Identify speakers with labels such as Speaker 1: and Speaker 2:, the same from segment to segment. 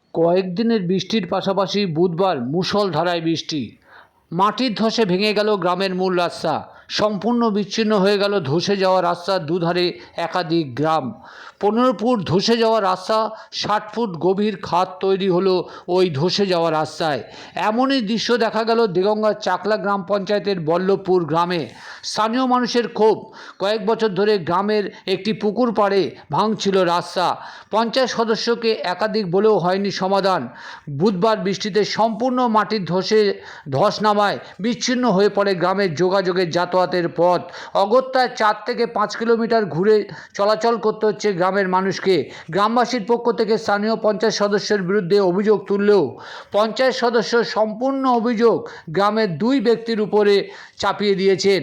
Speaker 1: কয়েকদিনের বৃষ্টির পাশাপাশি বুধবার মুষলধারায় বৃষ্টি। মাটির ধসে ভেঙে গেল গ্রামের মূল রাস্তা। সম্পূর্ণ বিচ্ছিন্ন হয়ে গেল ধসে যাওয়া রাস্তার দুধারে একাধিক গ্রাম। 15 ফুট ধসে যাওয়া রাস্তা, 60 ফুট গভীর খাদ তৈরি হলো ওই ধসে যাওয়া রাস্তায়। এমনই দৃশ্য দেখা গেল দেগঙ্গার চাকলা গ্রাম পঞ্চায়েতের বল্লভপুর গ্রামে। স্থানীয় মানুষের ক্ষোভ, কয়েক বছর ধরে গ্রামের একটি পুকুর পাড়ে ভাঙছিল রাস্তা। পঞ্চায়েত সদস্যকে একাধিক বলেও হয়নি সমাধান। বুধবার বৃষ্টিতে সম্পূর্ণ মাটির ধস নামায় বিচ্ছিন্ন হয়ে পড়ে গ্রামের যোগাযোগের যাতায়াতের পথ। অগত্যায় 4 থেকে 5 কিলোমিটার ঘুরে চলাচল করতে হচ্ছে গ্রামের মানুষকে। গ্রামবাসীর পক্ষ থেকে স্থানীয় পঞ্চায়েত সদস্যের বিরুদ্ধে অভিযোগ তুললেও পঞ্চায়েত সদস্য সম্পূর্ণ অভিযোগ গ্রামের 2 ব্যক্তির উপরে চাপিয়ে দিয়েছেন।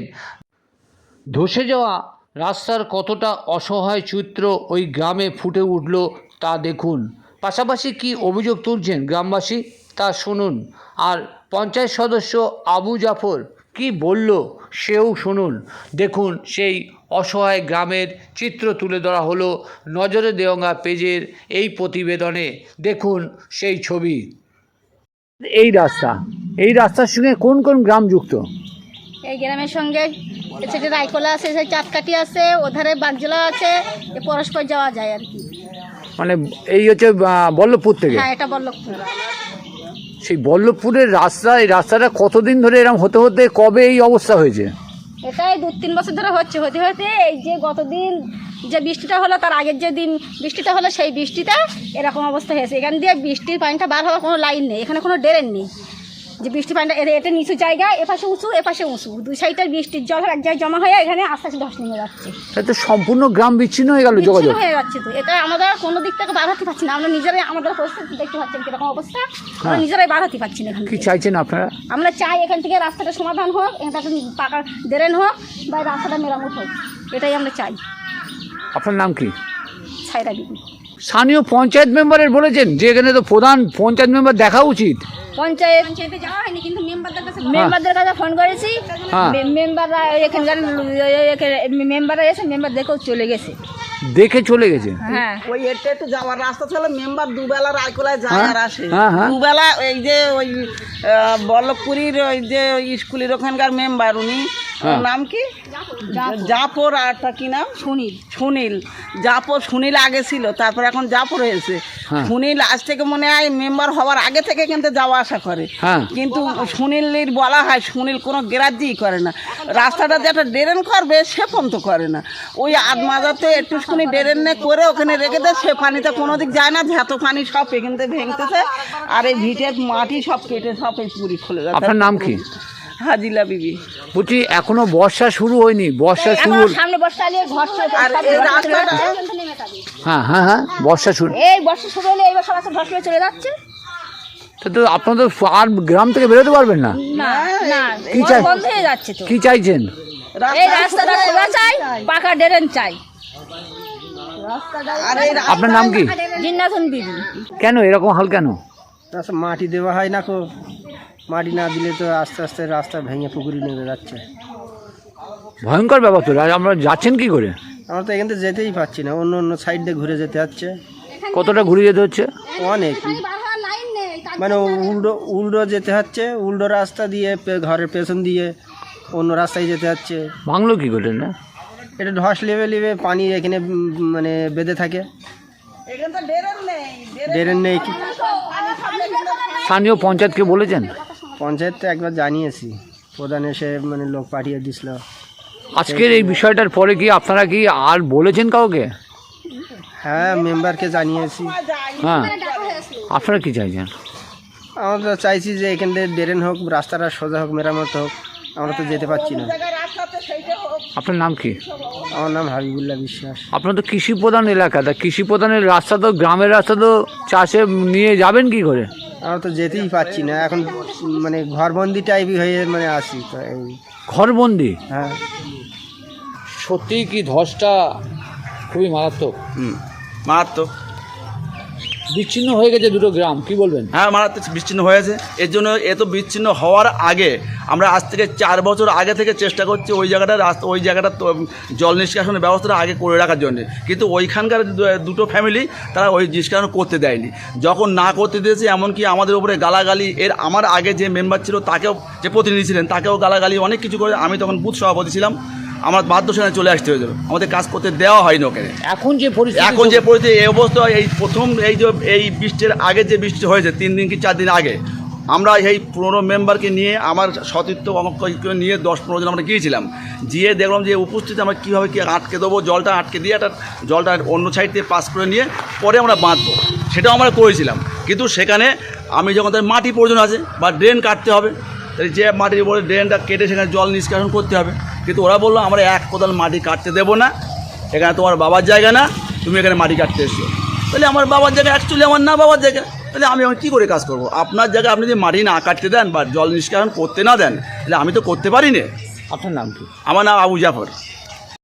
Speaker 1: ধসে যাওয়া রাস্তার কতটা অসহায় চিত্র ওই গ্রামে ফুটে উঠল তা দেখুন। পাশাপাশি কি অভিযোগ তুলছেন গ্রামবাসী তা শুনুন। আর পঞ্চায়েত সদস্য আবু জাফর কি বলল সেও শুনুন। দেখুন সেই অসহায় গ্রামের চিত্র তুলে ধরা হলো নজরে দেওয়া পেজের এই প্রতিবেদনে। দেখুন সেই ছবি। এই রাস্তার সঙ্গে কোন কোন গ্রাম যুক্ত?
Speaker 2: এই গ্রামের সঙ্গে সেটা রায়কোলা আছে, সেই চাঁদকাঠি আছে, ওধারে বাগজোলা আছে, পরস্পর যাওয়া যায় আর কি।
Speaker 1: মানে এই হচ্ছে বল্লভপুর থেকে?
Speaker 2: হ্যাঁ, এটা বল্লভপুর।
Speaker 1: সেই বল্লভপুরের রাস্তা, এই রাস্তাটা কতদিন ধরে এরকম হতে হতে কবে এই অবস্থা হয়েছে?
Speaker 2: এটাই 2-3 বছর ধরে হতে হতে এই যে গতদিন যে বৃষ্টিটা হলো, তার আগের যে দিন বৃষ্টিটা হলো, সেই বৃষ্টিটা এরকম অবস্থা হয়েছে। এখান দিয়ে বৃষ্টির পানিটা বার হওয়ার কোনো লাইন নেই, এখানে কোনো ড্রেন নেই। যে বৃষ্টির পানিটা এটা নিচু জায়গা, এপাশে উঁচু এপাশে উঁচু, 2 সাইডের বৃষ্টির জল এক জায়গায় জমা হয়ে এখানে আস্তে আস্তে ধস নেমে যাচ্ছে।
Speaker 1: তো সম্পূর্ণ গ্রাম বিচ্ছিন্ন হয়ে গেল, যোগাযোগ
Speaker 2: হয়ে যাচ্ছে। তো এটা আমরা কোনো দিক থেকে বার হতে পারছি না, আমরা নিজেরাই আমাদের পরিস্থিতি দেখতে পাচ্ছেন কিরকম অবস্থা, আমরা নিজেরাই বার হতে পারছি না। এখানে
Speaker 1: কি চাইছেন আপনারা?
Speaker 2: আমরা চাই এখান থেকে রাস্তাটা সমাধান হোক, এটা পাকা ড্রেন হোক বা রাস্তাটা মেরামত হোক, এটাই আমরা চাই।
Speaker 1: আপনার নাম কি?
Speaker 2: ছাইরা বিবি।
Speaker 1: স্থানীয় পঞ্চায়েত মেম্বারের বলেছেন যে এখানে তো প্রধান পঞ্চায়েত মেম্বার দেখা উচিত।
Speaker 2: পঞ্চায়েতে যাওয়া হয়নি, কিন্তু মেম্বারদের কাছে ফোন করেছি। মেম্বাররা এখানকার মেম্বাররা এসে মেম্বার দেখেও চলে গেছে।
Speaker 1: হ্যাঁ,
Speaker 3: ওই এটা একটু যাওয়ার রাস্তা ছিল। মেম্বার দুবেলা রায়কোলায় যায় আর আসে। দুবেলা এই যে ওই বল্লভপুরীর ওই যে স্কুলের ওখানকার মেম্বার, উনি নাম কি? জাফর। আরটা কি নাম? সুনীল। সুনীল আগে ছিল, তারপর এখন জাফর হয়েছে। সুনীল আজ থেকে মনে হয় মেম্বার হওয়ার আগে থেকে কিন্তু যাওয়া আসা করে, কিন্তু সুনীলের বলা হয় সুনীল কোনো গ্রাহ্যই করে না। রাস্তাটা যেটা ড্রেন করবে সে পর্যন্ত করে না। ওই আদমাজাতে একটুখানি ড্রেন করে ওখানে রেখে দেয়, সে পানিতে কোনো দিক যায় না। যত পানি সব এখান থেকে ভেঙতেছে, আর এই ভিটের মাটি সব কেটে সব এই পুরি খুলে যাচ্ছে।
Speaker 1: আপনার নাম কি?
Speaker 3: হাজিলা বিবি।
Speaker 1: বলছি এখনো বর্ষা শুরু হয়নি, বর্ষা শুরু
Speaker 2: সামনে বর্ষা এলে ঘর
Speaker 3: আর এই রাস্তাটা
Speaker 1: হ্যাঁ বর্ষা শুরু,
Speaker 2: এই বর্ষা শুরু হলে এই বর্ষা ধস হয়ে চলে যাচ্ছে।
Speaker 1: তো আপনাদের আর গ্রাম থেকে বেরোতে পারবেন না?
Speaker 2: না,
Speaker 1: কি চাই?
Speaker 2: বন্ধ হয়ে যাচ্ছে। তো
Speaker 1: কি চাইছেন?
Speaker 2: এই রাস্তাটা খোলা চাই, পাকা ড্রেন চাই।
Speaker 1: আপনার নাম কি?
Speaker 2: জিন্নাতুন বিবি।
Speaker 1: কেন এরকম হাল কেন?
Speaker 4: মাটি দেওয়া হয় না, মাটি না দিলে তো আস্তে আস্তে রাস্তা ভেঙে পুকুরে নেমে যাচ্ছে।
Speaker 1: ভয়ঙ্কর ব্যাপার তো। আমরা যাচ্ছেন কি করে?
Speaker 4: আমরা তো এখান থেকে যেতেই পারছি না, অন্য সাইড দিয়ে ঘুরে যেতে হচ্ছে।
Speaker 1: কতটা ঘুরে যেতে হচ্ছে?
Speaker 4: অনেক, মানে উল্টো যেতে হচ্ছে, উল্টো রাস্তা দিয়ে ঘরের পেছন দিয়ে অন্য রাস্তায় যেতে হচ্ছে।
Speaker 1: ভাঙলো কি করে? না
Speaker 4: এটা ধস লেবে পানি এখানে মানে বেঁধে থাকে, ড্রেন নেই।
Speaker 1: স্থানীয় পঞ্চায়েতকে বলেছেন?
Speaker 4: পঞ্চায়েত তো একবার জানিয়েছি, প্রধান এসে মানে লোক পাঠিয়ে দিছিল।
Speaker 1: আজকের এই বিষয়টার পরে কি আপনারা কি আর বলেছেন কাউকে?
Speaker 4: হ্যাঁ, মেম্বারকে জানিয়েছি।
Speaker 1: হ্যাঁ, আপনারা কি চাইছেন?
Speaker 4: আমরা তো চাইছি যে এখান থেকে ড্রেন হোক, রাস্তাটা সোজা হোক, মেরামত হোক। আমরা তো যেতে পারছি না।
Speaker 1: আপনার নাম কি?
Speaker 4: আমার নাম হাবিবুল্লাহ বিশ্বাস।
Speaker 1: আপনার তো কৃষি প্রধান এলাকা, তা কৃষি প্রধানের রাস্তা তো, গ্রামের রাস্তা তো চাষে নিয়ে যাবেন কি করে?
Speaker 4: আমরা তো যেতেই পারছি না, এখন মানে ঘরবন্দি টাইপই হয়ে মানে আসি তো। এই
Speaker 1: ঘরবন্দি?
Speaker 4: হ্যাঁ,
Speaker 1: সত্যিই কি ধসটা খুবই মারাত্মক?
Speaker 5: মারাত্মক।
Speaker 1: বিচ্ছিন্ন হয়ে গেছে দুটো গ্রাম, কি বলবেন?
Speaker 5: হ্যাঁ, মারাত্মক বিচ্ছিন্ন হয়েছে। এর জন্য এত বিচ্ছিন্ন হওয়ার আগে আমরা আজ থেকে 4 বছর আগে থেকে চেষ্টা করছি ওই জায়গাটা জল নিষ্কাশনের ব্যবস্থাটা আগে করে রাখার জন্য, কিন্তু ওইখানকার দুটো ফ্যামিলি তারা ওই নিষ্কাশন করতে দেয়নি। যখন না করতে দিয়েছে, এমনকি আমাদের উপরে গালাগালি, আমার আগে যে মেম্বার ছিল তাকেও, যে প্রতিনিধি ছিলেন তাকেও গালাগালি অনেক কিছু করে। আমি তখন বুথ সভাপতি ছিলাম, আমার বাধ্য সেখানে চলে আসতে হয়েছিল, আমাদের কাজ করতে দেওয়া হয়নি ওখানে।
Speaker 1: এখন যে পরিস্থিতি
Speaker 5: এই অবস্থা, এই প্রথম এই বৃষ্টির আগে যে বৃষ্টি হয়েছে 3 দিন কি 4 দিন আগে, আমরা এই 15 মেম্বারকে নিয়ে, আমার সতীর্থ নিয়ে 10-15 জন আমরা গিয়েছিলাম। গিয়ে দেখলাম যে উপস্থিতি আমরা কীভাবে আটকে দেবো, জলটা আটকে দিয়ে জলটা অন্য সাইড থেকে পাস করে নিয়ে পরে আমরা বাঁধবো, সেটাও আমরা করেছিলাম। কিন্তু সেখানে আমি যখন তার মাটি প্রয়োজন আছে বা ড্রেন কাটতে হবে, তাই যে মাটির উপরে ড্রেনটা কেটে সেখানে জল নিষ্কাশন করতে হবে, কিন্তু ওরা বললো আমরা 1 কোদাল মাটি কাটতে দেবো না, এখানে তোমার বাবার জায়গা না, তুমি এখানে মাটি কাটতে এসছো। তাহলে আমার বাবার জায়গা অ্যাকচুয়ালি আমার না বাবার জায়গা, তাহলে আমি এখন কী করে কাজ করবো? আপনার জায়গায় আপনি যদি মাটি না কাটতে দেন বা জল নিষ্কাশন করতে না দেন, তাহলে আমি তো করতে পারি না।
Speaker 1: আপনার নাম কি?
Speaker 5: আমার নাম আবু জাফর।